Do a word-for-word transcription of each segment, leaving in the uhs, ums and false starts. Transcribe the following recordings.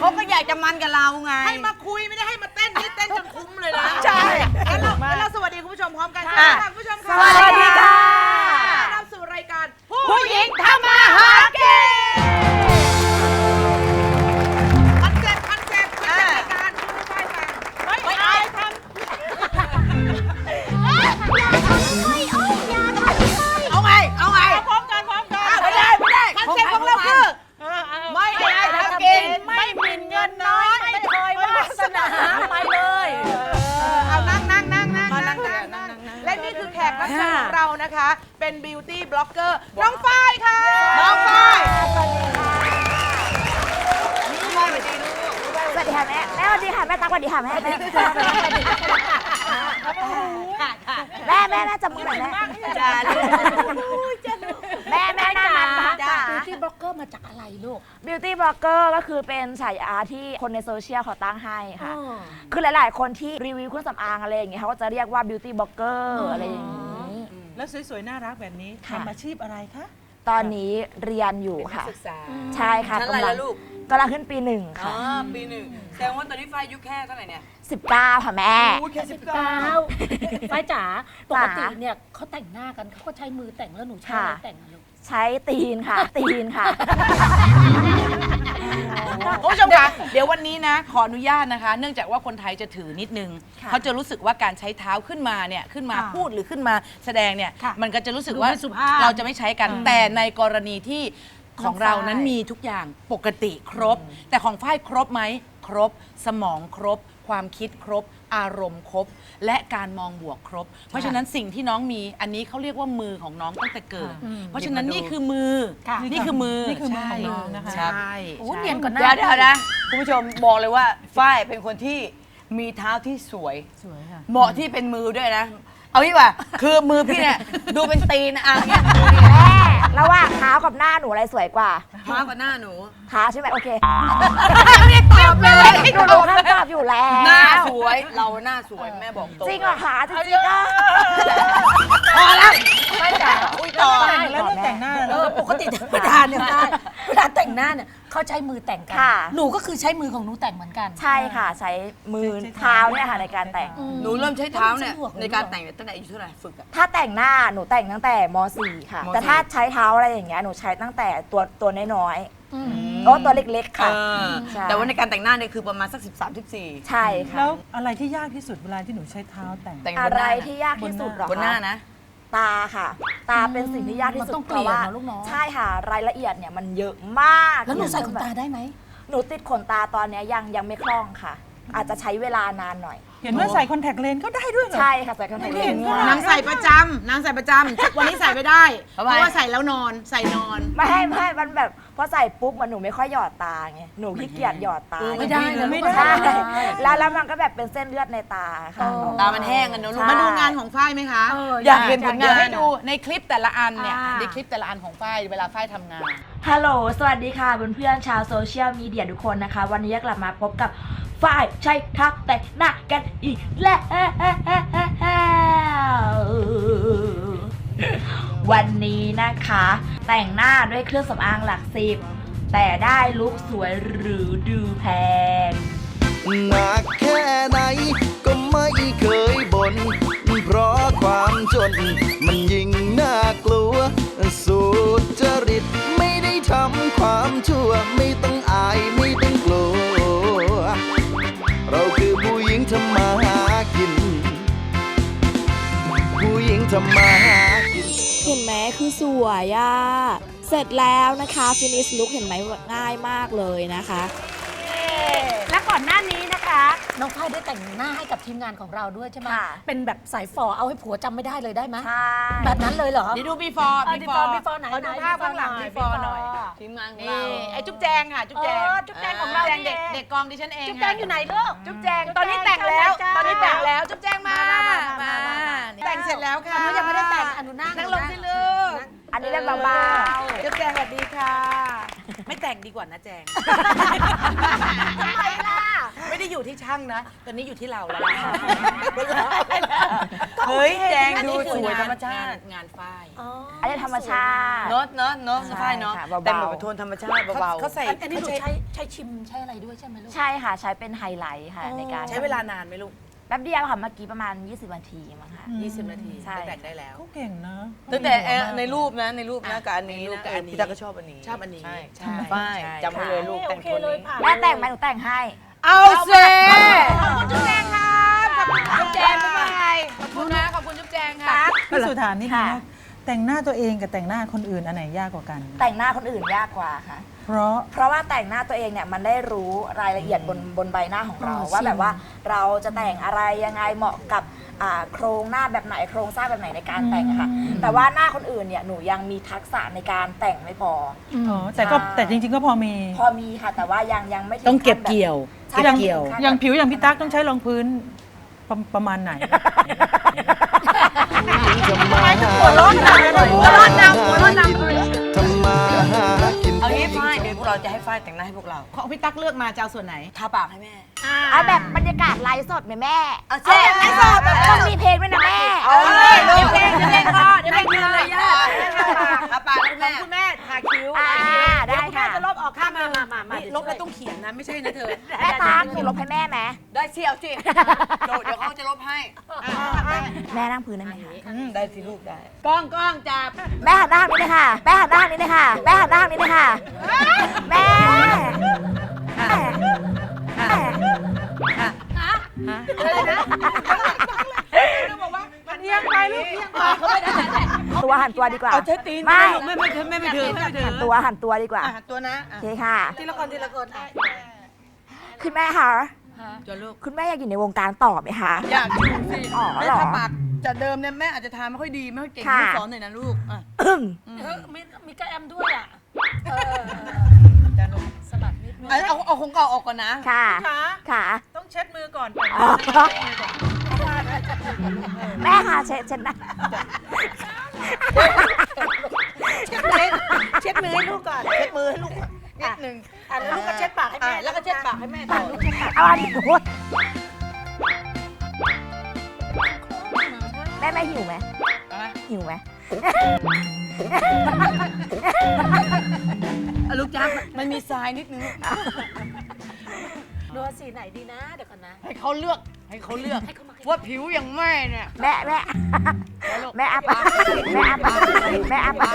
เขาก็อยากจะมันกับเราไงให้มาคุยไม่ได้ให้มาเต้นนี่เต้นจนคุ้มเลยนะใช่งั้นเรางั้นเราสวัสดีคุณผู้ชมพร้อมกันค่ะคุณผู้ชมค่ะสวัสดีค่ะต้อนรับสู่รายการผู้หญิงทำมาหากินคอนเซ็ปต์คอนเซ็ปต์คอนเซ็ปต์รายการคุณไม่ใช่ฟังไม่อายทำเอาไงเอาไงพร้อมกันพร้อมกันไม่ได้ไม่ได้คอนเซ็ปต์ของเราคือไม่ได้ทำกินไม่หมิ่นเงินน้อยไม่เคยวาสนาไปเลยเอานั่งนั่งนั่งนั่งนั่งนั่งและนี่คือแขกรับเชิญของเรานะคะเป็นบิวตี้บล็อกเกอร์น้องฝ้ายค่ะน้องฝ้ายสวัสดีค่ะสวัสดีค่ะแม่แม่สวัสดีค่ะแม่ตั๊กสวัสดีค่ะแม่แม่แม่แม่แม่จับมือหน่อยแม่จ้าแม่แม่หน้ามันจ้าบิวตี้บล็อกเกอร์มาจากอะไรลูกบิวตี้บล็อกเกอร์ก็คือเป็นฉายาที่คนในโซเชียลเขาตั้งให้ค่ะคือหลายๆคนที่รีวิวเครื่องสำอางอะไรอย่างเงี้ยเขาก็จะเรียกว่าบิวตี้บล็อกเกอร์อะไรอย่างนี้แล้วสวยๆน่ารักแบบนี้ทำอาชีพอะไรคะตอนนี้เรียนอยู่ค่ะใช่ค่ะชั้นอะไรล่ะลูกกำลังขึ้นปีหนึ่งค่ะปีหนึ่งแสดงว่าตอนนี้ฝ้ายอายุแค่เท่าไหร่เนี่ยสิบเก้าค่ะแม่แค่สิบเก้าฝ้ายจ๋าปกติเนี่ยเขาแต่งหน้ากันเขาก็ใช้มือแต่งแล้วหนูใช้อะไรแต่งลูกใช้ตีนค่ะตีนค่ะคุณผู้ชมคะเดี๋ยววันนี้นะขออนุญาตนะคะเนื่องจากว่าคนไทยจะถือนิดนึงเขาจะรู้สึกว่าการใช้เท้าขึ้นมาเนี่ยขึ้นมาพูดหรือขึ้นมาแสดงเนี่ยมันก็จะรู้สึกว่าเราจะไม่ใช้กันแต่ในกรณีที่ของเรานั้นมีทุกอย่างปกติครบแต่ของฝ้ายครบไหมครบสมองครบความคิดครบอารมณ์ครบและการมองบวกครบเพราะฉะนั้นสิ่งที่น้องมีอันนี้เขาเรียกว่ามือของน้องตั้งแต่เกิดเพราะฉะนั้นนี่คือมือนี่คือมือนี่คือมือของน้องนะคะใช่โอ้เนียนกว่าหน้าเดี๋ยวเดี๋ยวนะคุณผู้ชมบอกเลยว่าฝ้ายเป็นคนที่มีเท้าที่สวยสวยค่ะเหมาะที่เป็นมือด้วยนะเอาดีกว่าคือมือพี่เนี่ยดูเป็นตีนอ่ะเนี่ยแม่ระหว่างเท้ากับหน้าหนูอะไรสวยกว่าเท้ากับหน้าหนูเท้าใช่ไหมโอเคไม่ได้ตอบเลยหนูรู้คำตอบอยู่แล้วหน้าสวยเราหน้าสวยแม่บอกตรงจริงเหรอคะจริงๆก็พอแล้วไม่จ๋าอุ้ยต่อแล้วเรื่องแต่งหน้าเออปกติธรรมดาเนี่ยเวลาแต่งหน้าเนี่ยเขาใช้มือแต่งกันหนูก็คือใช้มือของหนูแต่งเหมือนกันใช่ค่ะใช้มือเท้าเนี่ยค่ะในการแต่งหนูเริ่มใช้เท้าเนี่ยในการแต่งตั้งแต่อายุเท่าไหร่ฝึกอะถ้าแต่งหน้าหนูแต่งตั้งแต่ม .สี่ ค่ะแต่ถ้าใช้เท้าอะไรอย่างเงี้ยหนูใช้ตั้งแต่ตัวตัวน้อยๆโอ้ตัวเล็กๆค่ะแต่ว่าในการแต่งหน้าเนี่ยคือประมาณสักสิบสามสิบสี่ใช่ค่ะแล้วอะไรที่ยากที่สุดเวลาที่หนูใช้เท้าแต่งอะไรที่ยากที่สุดหรอคะบนหน้านะตาค่ะตาเป็นสิ่งที่ยากที่สุดเพราะว่าใช่ค่ะรายละเอียดเนี่ยมันเยอะมากแล้วหนูใส่ขนตาได้ไหมหนูติดขนตาตอนนี้ยังยังไม่คล่องค่ะอาจจะใช้เวลานานหน่อยเห็นว่าใส่คอนแทคเลนส์ก็ได้ด้วยเหรอใช่ค่ะใส่คอนแทคเลนส์นางใส่ประจำนางใส่ประจำวันนี้ใส่ไม่ได้เพราะว่าใส่แล้วนอนใส่นอนไม่ไม่มันแบบพอใส่ปุ๊บมันหนูไม่ค่อยหยอดตาไงหนูขี้เกียจหยอดตาไม่ได้นะไม่ได้แล้วแล้วมันก็แบบเป็นเส้นเลือดในตาค่ะตามันแห้งกันเนอะลูกมาดูงานของฝ้ายไหมคะอยากเห็นผลงานให้ดูในคลิปแต่ละอันเนี่ยในคลิปแต่ละอันของฝ้ายเวลาฝ้ายทำงานฮัลโหลสวัสดีค่ะเพื่อนๆชาวโซเชียลมีเดียทุกคนนะคะวันนี้กลับมาพบกับฝ้ายใช้ทักแต่งหน้ากันอีกแล้ววันนี้นะคะแต่งหน้าด้วยเครื่องสำอางหลักสิบแต่ได้ลุคสวยหรือดูแพงหนักแค่ไหนก็ไม่เคยบ่นเพราะความจนมันยิ่งน่ากลัวสุจริตไม่ได้ทำความชั่วไม่ต้องอายไม่ต้องกลัวเราคือผู้หญิงทำมาหากินผู้หญิงทำมาหากินเห็นไหมคือสวยอ่ะเสร็จแล้วนะคะฟินิชลุคเห็นไหมง่ายมากเลยนะคะและก่อนหน้านี้นะคะน้องฝ้ายได้แต่งหน้าให้กับทีมงานของเราด้วยใช่ไหมเป็นแบบสายฝอเอาให้ผัวจำไม่ได้เลยได้ไหมใช่แบบนั้นเลยเหรอเดี๋ยวดู before before before ไหนดูภาพข้างหลัง before หน่อยทีมงานของเราไอ้จุ๊บแจงค่ะจุ๊บแจงจุ๊บแจงของเราเด็กเด็กกองดิฉันเองจุ๊บแจงอยู่ไหนลูกจุ๊บแจงตอนนี้แต่งแล้วตอนนี้แต่งแล้วจุ๊บแจงมามาแต่งเสร็จแล้วค่ะหนูยังไม่ได้แต่งอนุนานั่งลงสิลูกอันนี้เรียกเบาๆจุ๊บแจงสวัสดีค่ะไม่แต่งดีกว่านะแจงทำไมล่ะไม่ได้อยู่ที่ช่างนะ ตอนนี้อยู่ที่เราแล้วเฮ้ยแจงอันดูนี้สคือวยงานธรรมชาติงนงานฝ้ายอันนี้ธรรมชาติเนาะเนาะเนาะใช่ฝ้ายเนาะค่ะเบาๆแต่งแบบโทนธรรมชาติเบาๆเขาใส่อันนี้หนูเขาใช้ใช้ชิมใช้อะไรด้วยใช่ไหมลูกใช่ค่ะ ใช้เป็นไฮไลท์ค่ะในการใช้เวลานานไหมลูกแป๊บเดียวค่ะเมื่อกี้ประมาณ ยี่สิบนาทีมั้งค่ะยี่สิบ นาทีใช่ก็แต่งได้แล้วเขาเก่งนะตั้งแต่เอ่อในรูปนะในรูปนะกับอันนี้ในรูปนะกับอันนี้พี่ตาก็ชอบอันนี้ชอบอันนี้ใช่ใช่ฝ้ายใช่จำไว้เลยลูกแต่งคนนี้แม่แต่งไหมหนูแต่งให้เอาเซ่ขอบคุณจุ๊บแจงครับขอบคุณจุ๊บแจงบ๊ายบายขอบคุณนะขอบคุณจุ๊บแจงค่ะพี่สุธานี่นะค่ะแต่งหน้าตัวเองกับแต่งหน้าคนอื่นอันไหนยากกว่ากันแต่งหน้าคนอื่นยากกว่าค่ะเพราะเพราะว่าแต่งหน้าตัวเองเนี่ยมันได้รู้รายละเอียดบนบนใบหน้าของเราอ๋อว่าจริงแบบว่าเราจะแต่งอะไรยังไงเหมาะกับอ่าโครงหน้าแบบไหนโครงสร้างแบบไหนในการแต่งอะค่ะ แต่ว่าหน้าคนอื่นเนี่ยหนูยังมีทักษะในการแต่งไม่พออ๋อแต่ก็ใช่แต่จริง ๆ ก็พอมีพอมีค่ะแต่ว่ายังยังไม่ถึต้องเก็บขั้นแบบเกี่ยวใช่เก็บเกี่ยวขั้นอย่างผิวอย่างพี่ตั๊กต้องใช้รองพื้นประประมาณไหนทำไมถึงหัวร้อนนำหัวร้อนนำหัวร้อนนำทำมาหากินเอางี้ฝ้ายเดี๋ยวพวกเราจะให้ฝ้ายแต่งหน้าให้พวกเราของพี่ตั๊กเลือกมาจะเอาส่วนไหนทาปากให้แม่เอาแบบบรรยากาศไลฟ์สดไหมแม่เอาเช่ไลฟ์สดต้องมีเพลงด้วยนะแม่เอาเลยเดี๋ยวเพเพลลงงเดี๋ยวเพลงพอเดี๋ยวเพลงเลยย่าทาปากให้แม่คุณแม่ทาคิ้วอ่าได้ค่ะจะลบออกข้างมามามามานี่ลบแล้วต้องเขียนนะ ไม่ใช่นะเธอแม่ตั๊กหนูลบให้แม่ไหมได้เชี่ยวสิเดี๋ยวเขาจะลบให้แม่นั่งพื้นได้ไหมคะอืมได้สิลูกได้กล้องกล้องจับแม่หันหน้าทางนี้เลยค่ะแม่หันหน้าทางนี้เลยค่ะแม่หันหน้าทางนี้เลยค่ะแม่แม่อะไรนะบอกว่ามันเอียงไปลูกเอียงไปเขาไม่ได้ตัวหันตัวดีกว่าเอาเทตีนไม่ไม่ไม่ถึงไม่ไม่ถึงไม่ถึงหันตัวหันตัวดีกว่าอ่ะตัวนะโอเคค่ะทีละคนทีละคนอ่ะคุณแม่คะจนลูกคุณแม่อยากอยู่ในวงการต่อไหมคะอยากอยู่สิอ๋อแม่เหรอทาปากจากเดิมเนี่ยแม่อาจจะทาไม่ค่อยดีไม่ค่อยเก่งค่ะลูกสอนหน่อยนะลูกอ่ะเออมีมีกระแอมด้วยอ่ะเออสะบัดนิดนึงเอาเอาเอาของเก่าออกก่อนนะค่ะคะค่ะต้องเช็ดมือก่อนอ๋อแม่ค่ะเช็ดเช็ดหนะเช็ดมือเช็ดมือให้ลูกก่อนเช็ดมือให้ลูกนิดนึงอ่ะแล้วลูกก็เช็ดปากให้แม่อ่ะแล้วก็เช็ดปากให้แม่ต่อลูกเอาอันนี้โอ๊ยแม่แม่หิวไหมหิวไหมอ่ะลูกจ้ามันมีทรายนิดนึงดูสีไหนดีนะเดี๋ยวก่อนนะให้เขาเลือกให้เขาเลือกว่าผิวอย่างแม่เนี่ยแม่แม่แม่อาปากแม่อาปากแม่อาปาก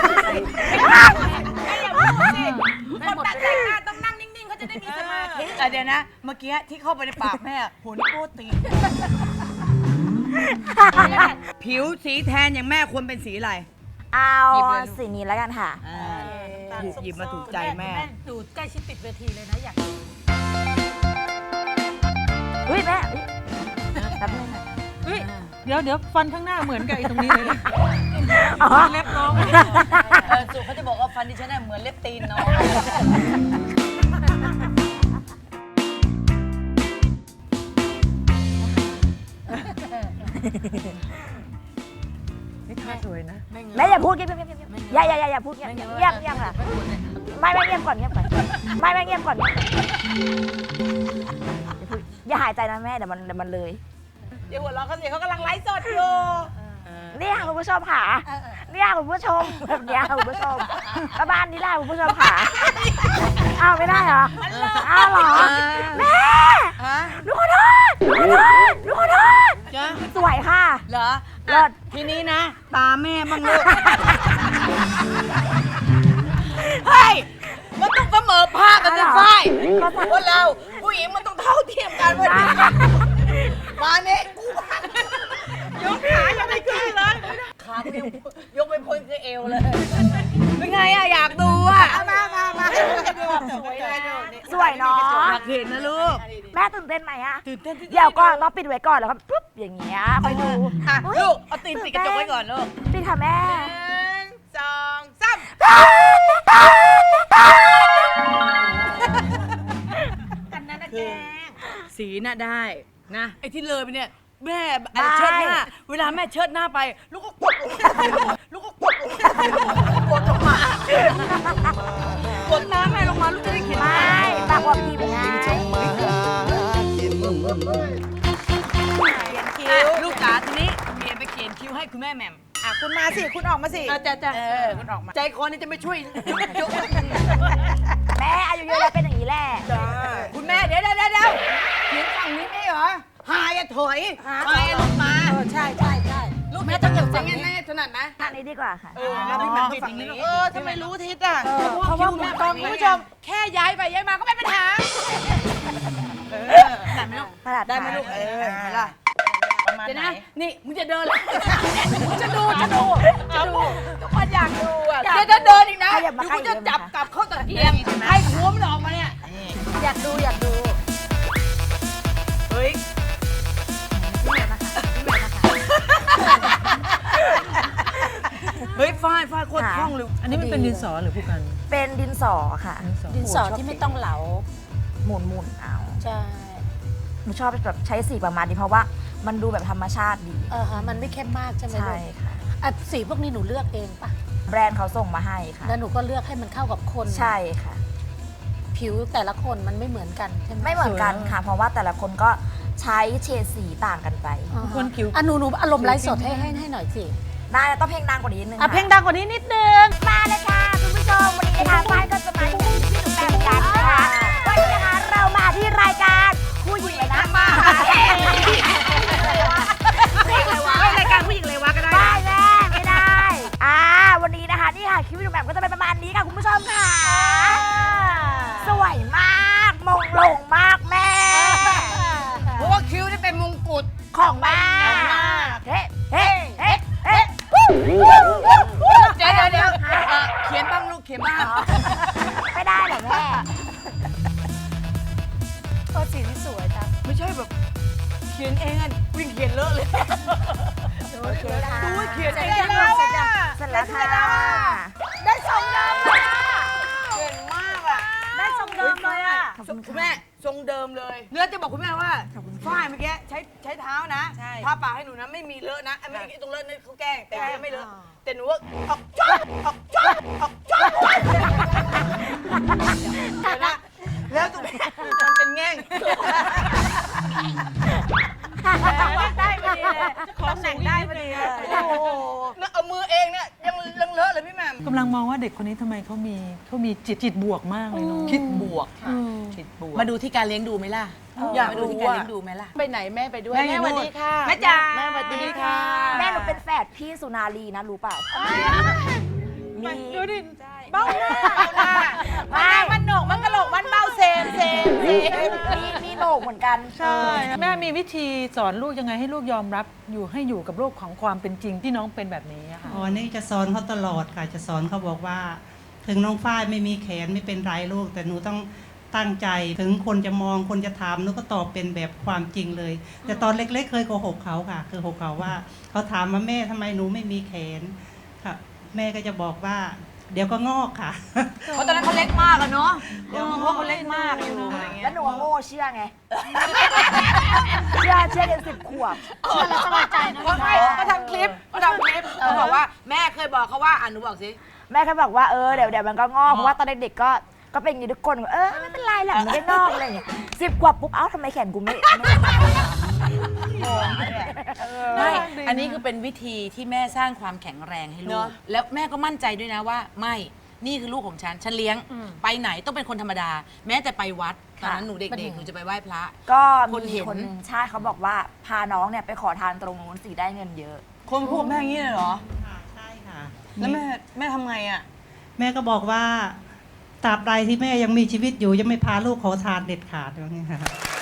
คนตัดแต่งหน้าต้องนั่งนิ่งๆเขาจะได้มีสมาธิอ่ะเดี๋ยวนะ เมื่อกี้ที่เข้าไปในปากแม่หัวนิ้วโป้ตีนผิวสีแทนอย่างแม่ควรเป็นสีอะไรเอาหยิบเลยลูกสีนี้แล้วกันค่ะอ่าหยิบหยิบมาถูกใจแม่ดูใกล้ชิดติดเวทีเลยนะอยากเฮ้ยแม่เฮ้ยแป๊บนึงนะเฮ้ยเดี๋ยวเดี๋ยวฟันข้างหน้าเหมือนกับไอ้ตรงนี้เลยนะอ๋อเล็บน้องเออสุเขาจะบอกว่าฟันดิฉันน่ะเหมือนเล็บตีนน้องนี่ท่าสวยนะแม่อย่าพูดเงียบเงียบเงียบเงียบอย่าอย่าอย่าอย่าพูดเงียบเงียบเงียบเงียบค่ะไม่ไม่เงียบก่อนเงียบก่อนไม่ไม่เงียบก่อนเงียบก่อนอย่าหายใจนะแม่เดี๋ยวมันเดี๋ยวมันเลยเดี๋ยวหัวเราะเขาสิเขากำลังไลฟ์สดอยู่นี่ค่ะคุณผู้ชมค่ะนี่ค่ะคุณผู้ชมแบบเนี้ยค่ะคุณผู้ชมประมาณนี้แหละคุณผู้ชมค่ะอ้าวไม่ได้เหรออ้าวเหรอแม่ฮะหนูขอโทษหนูขอโทษหนูขอโทษจ้ะสวยค่ะเหรอเลิศทีนี้นะ ตาแม่บ้างลูก เฮ้ย มันต้องเสมอภาคกันสิฝ้ายคนเราผู้หญิงมันต้องเท่าเทียมกันวันนี้มาเนี่ยกูยกขายังไม่ขึ้นเลยขากูยังยกไม่พ้นคือเอวเลย เป็นไงอะอยากดูอะมามามาสวยเลยดูนี่สวยเนาะอยากเห็นนะลูกแม่ตื่นเต้นไหมอะตื่นเต้นที่เดี๋ยวก่อนต้องปิดไว้ก่อนแล้วก็ปุ๊บอย่างเงี้ยคอยดูอ่ะอุ๊ยลูก เอาตีนปิดกระจกไว้ก่อนลูกปิดค่ะแม่หนึ่งสองสามกันนั้นนะแกสีน่ะได้นะไอ้ที่เลยไปเนี่ยแม่อะไรเชิดหน้าเวลาแม่เชิดหน้าไป ลูกก็กดลงลูกก็กดลงกดลงมากดน้ำแม่ลงมามาลูกจะได้เขียนไม่ปากว่าพิมพ์ไงทำมาหากินคิ้วลูกจ๋าทีนี้เปลี่ยนไปเขียนคิ้วให้คุณแม่แหม่มอ่ะคุณมาสิ คุณออกมาสิเออจ้ะจ้ะเออคุณออกมาใจคอนี่จะไม่ช่วยยกแม่อายุเยอะแล้วเป็นอย่างนี้แหละคุณแม่เดี๋ยวเดี๋ยวเดี๋ยวเขียนฝั่งนี้ไม่เหรอหายอะถอยหายอะลงมาใช่ใช่ใช่ลูกแม่ต้องเขียนฝั่งนี้แน่ถนัดนะทางนี้ดีกว่าค่ะเออแล้วพี่แหม่มก็ฝั่งนี้เออทำไมรู้ทิศอ่ะเพราะว่าแม่ตฝั่อง นนี้คุณผู้ชมแค่ย้ายไปย้ายมาก็ไม่เป็นปัญหาได้ไหมลูกขนาดได้ไหมลูกเออเห็นไหมล่ะประมาณเดี๋ยวไหนนะนี่มึงจะเดินเลยจะดูจะดูจะดูทุกคนอยากดูอ่ะเดี๋ยวจะเดินอีกนะขยับมาเดี๋ยวกูจะขยับมาจับกลับเข้าตะเกียงให้หัวมันออกมาเนี่ยอยากดูอยากดูเฮ้ย เฮ้ยฝ้ายฝ้ายโคตรคล่องเลยอันนี้มันเป็นดินสอหรือผู้กันเป็นดินสอค่ะดินสอที่ไม่ต้องเหลาหมุนหมุนๆเอาใช่หนูชอบแบบใช้สีประมาณนี้เพราะว่ามันดูแบบธรรมชาติดีเออฮะมันไม่เข้มมากใช่ไหมลูใช่กค่ะอ่ะสีพวกนี้หนูเลือกเองปะแบรนด์เขาส่งมาให้ค่ะแล้วหนูก็เลือกให้มันเข้ากับคนใช่ค่ะผิวแต่ละคนมันไม่เหมือนกันใช่ไหมไม่เหมือนกันค่ะ เพราะว่าแต่ละคนก็ใช้เฉดสีต่างกันไปอ่าฮะคนคิ้วอ่ะหนูหนูอารมณ์ไลฟ์สดให้ให้ให้หน่อยสิได้ต้องเพลงดังกว่านี้นิดนึงอ่ะค่ะเพลงดังกว่านี้นิดนึงมาเลยค่ะคุณผู้ชมวันนี้นะคะฝ้ายก็จะมาอยู่ที่หนูแบมกันนะคะวันนี้นะคะเรามาที่รายการผู้หญิงเลยนะมารายการผู้หญิงเลยวะก็ได้ได้แม่ไม่ได้อ่าวันนี้นะคะนี่ค่ะคลิปวิดีโอแบบก็จะเป็นประมาณนี้ค่ะคุณผู้ชมค่ะสวยมากมงลงมากแม่เพราะว่าคิ้วนี่เป็นมงกุฎของแม่เฮ้เฮ้เฮ้เฮ้เดี๋ยวเดี๋ยวเดี๋ยวเอ่อเขียนบ้างลูกเขียนบ้างไม่ได้เหรอแม่ก็สีที่สวยจ้ะไม่ใช่แบบเขียนเองอ่ะวิ่งเขียนเลอะเลยโอเคค่ะดูว่าเขียนเสร็จเองแล้วแล้วเสร็จอ่ะเสร็จแล้วค่ะได้ทรงเดิมเลยเก่งมากอ่ะได้ทรงเดิมเลยอ่ะคุณแม่ทรงเดิมเลยเนื้อจะบอกคุณแม่ว่าฝ้ายเมื่อกี้ใช้ใช้เท้านะทาปากให้หนูนะไม่มีเลอะนะไอ้ไม่ตรงเลอะนั่นเขาแกล้งแต่ไม่เลอะแต่หนูว่าออกจ้าออกจ้าออกจ้าเดี๋ยวนะแล้วตรงนี้มันเป็นแง่งได้พอดีเลยตำแหน่งได้พอดีเลยโอ้โหแล้วเอามือเองเนี่ยยังยังเลอะเลยพี่แหม่มกำลังมองว่าเด็กคนนี้ทำไมเขามีเขามีจิตจิตบวกมากเลยเนาะคิดบวกจิตบวกมาดูที่การเลี้ยงดูไหมล่ะอยากมาดูรู้ที่การว่าเลี้ยงดูไหมล่ะ ไปไหนแม่ไปด้วยแม่อยู่สวัสดีค่ะแม่จ๋าแม่สวัสดีค่ะแม่หนูเป็นแฝดพี่สุนารีนะรู้เปล่ามีดูดิเบ้าหน้าไม่มันโหนกมันกระโหลกมันเบ้าเซมเซมเซมมีมีโหนกเหมือนกันใช่ แม่มีวิธีสอนลูกยังไงให้ลูกยอมรับอยู่ให้อยู่กับโลกของความเป็นจริงที่น้องเป็นแบบนี้อะค่ะอ๋อนี่จะสอนเขาตลอดค่ะ จะสอนเขาบอกว่า ถึงน้องฝ้ายไม่มีแขนไม่เป็นไรลูก แต่หนูต้องตั้งใจ ถึงคนจะมองคนจะถามหนูก็ตอบเป็นแบบความจริงเลย แต่ตอนเล็กๆเคยโกหกเขาค่ะคือโกหกเขาว่า เขาถามว่าแม่ทำไมหนูไม่มีแขนค่ะแม่ก็จะบอกว่า เดี๋ยวก็งอกค่ะเพราะตอนนั้นเขาเล็กมากอะเนาะเดี๋ยวเพราะเขาเล็กมากอยู่อะไรเงี้แล้ยวหนูว่าโง่เชื่อไง เชื่อเชื่อจนสิบขวบเชื่อแล้วสบายใจนะเขาไม่เขาทำคลิปเขาทำคลิปเขาบอกว่าแม่เคยบอกเขาว่าอ่ะหนูบอกสิแม่แค่บอกว่าเออเดี๋ยวเดี๋ยวมันก็งอกเพราะว่าตอนเด็กๆก็ก็เป็นอย่างนี้ทุกคนเออไม่เป็นไรหรอกมันไม่งอกอะไรอย่างเงี้ยสิบขวบปุ๊บเอ้าทำไมแขนกูไม่ไม่ไม่ อันนี้คือเป็นวิธีที่แม่สร้างความแข็งแรงให้ลูก แล้วแม่ก็มั่นใจด้วยนะว่า ไม่ นี่คือลูกของฉัน ฉันเลี้ยง ไปไหนต้องเป็นคนธรรมดา แม้แต่ไปวัด ตอนนั้นหนูเด็กๆ หนูจะไปไหว้พระก็คนมีเห็นคนหนึ่งใช่เขาบอกว่าพาน้องเนี่ยไปขอทานตรงนู้นสิได้เงินเยอะคนพูดแม่อย่างนี้เลยเหรอค่ะใช่ค่ะแล้วแม่แม่ทำไงอ่ะแม่ก็บอกว่าตราบใดที่แม่ยังมีชีวิตอยู่ยังไม่พาลูกขอทานเด็ดขาดอย่างนี้ค่ะ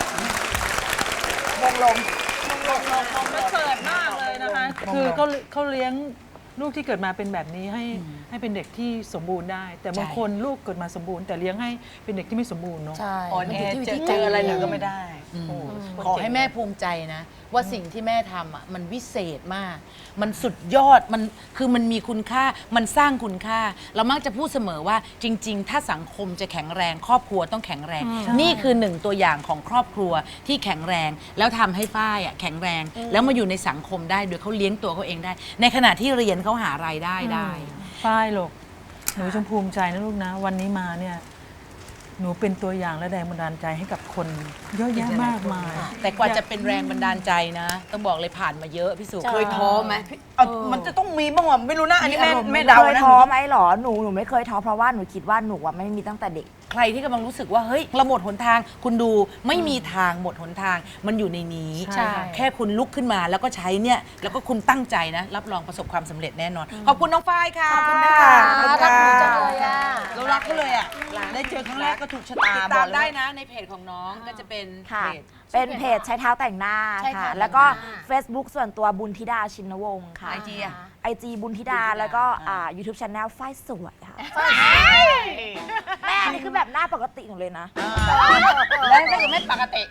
วงลมมันเปิดมากเลยนะคะ คือเขาเขาเลี้ยงลูกที่เกิดมาเป็นแบบนี้ให้ให้เป็นเด็กที่สมบูรณ์ได้ แต่บางคนลูกเกิดมาสมบูรณ์แต่เลี้ยงให้เป็นเด็กที่ไม่สมบูรณ์เนาะใช่อ่อนแอเจอเจออะไรเลยก็ไม่ได้ขอให้แม่ภูมิใจนะ ว่าสิ่งที่แม่ทำอ่ะมันวิเศษมาก มันสุดยอดมันคือมันมีคุณค่ามันสร้างคุณค่า เรามักจะพูดเสมอว่าจริง ๆ ถ้าสังคมจะแข็งแรง ครอบครัวต้องแข็งแรง นี่คือหนึ่งตัวอย่างของครอบครัวที่แข็งแรง แล้วทำให้ฝ้ายอ่ะแข็งแรง แล้วมาอยู่ในสังคมได้โดยเขาเลี้ยงตัวเขาเองได้ ในขณะที่เรียนเขาหารายได้ได้ฝ้ายลูกหนูจงภูมิใจนะลูกนะ วันนี้มาเนี่ยหนูเป็นตัวอย่างและแรงบันดาลใจให้กับคนเยอะแยะมากมายแต่กว่าจะเป็นแรงบันดาลใจนะ ต้องบอกเลยผ่านมาเยอะพี่สุเคยท้อไหมพี่เอามันจะต้องมีบ้างวะไม่รู้นะอันนี้แม่แม่เดาเคยนะท้อไหมหรอหนูหนูไม่เคยท้อเพราะว่าหนูคิดว่าหนูอะไม่มีตั้งแต่เด็กใครที่กำลังรู้สึกว่าเฮ้ยเราหมดหนทาง คุณดูไม่มีทางหมดหนทางมันอยู่ในนี้ใช่แค่คุณลุกขึ้นมาแล้วก็ใช้เนี่ยแล้วก็คุณตั้งใจนะ รับรองประสบความสำเร็จแน่นอน ขอบคุณน้องฝ้ายค่ะขอบคุณนะคะขอบรักหนูค่ะจังเลยอ่ะเรารักเขาเลยอ่ะได้เจอครั้งแรกก็ถูกชะตาติดบตาอมกเลยได้ว่านะในเพจของน้องก็จะเป็นค่ะเพจเป็นเพจใช้เท้าแต่งหน้าใช้เท้าค่ะแต่งหน้าแล้วก็ Facebook ส่วนตัวบุญธิดาชินวงศ์ค่ะไอจีอะไอจีบุญธิดาแล้วก็อ่า YouTube Channel ฝ้ายสวยค่ะแม่อันนี้คือแบบหน้าปกติหนูเลยนะแล้วถ้าเกิดไม่ปกติ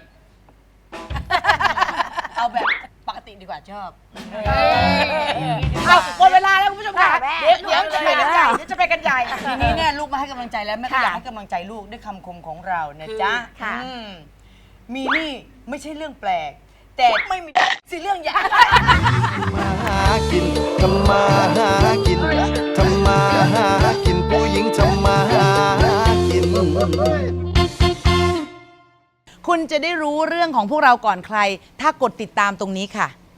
เอาแบบปกติดีกว่าชอบเอาหมดเวลาแล้วคุณผู้ชมค่ะแม่เดี๋ยวเดี๋ยวจะไปกันใหญ่เดี๋ยวจะไปกันใหญ่ทีนี้เนี่ยลูกมาให้กำลังใจแล้วแม่ก็ค่ะอยากให้กำลังใจลูกด้วยคำคมของเรานะจ๊ะค่ะอืมมีนี่ไม่ใช่เรื่องแปลก แต่ไม่มีสิเรื่องใหญ่มาหากินทำมาหากินทำมาหากินผู้หญิงทำมาหากินคุณจะได้รู้เรื่องของพวกเราก่อนใคร ถ้ากดติดตามตรงนี้ค่ะ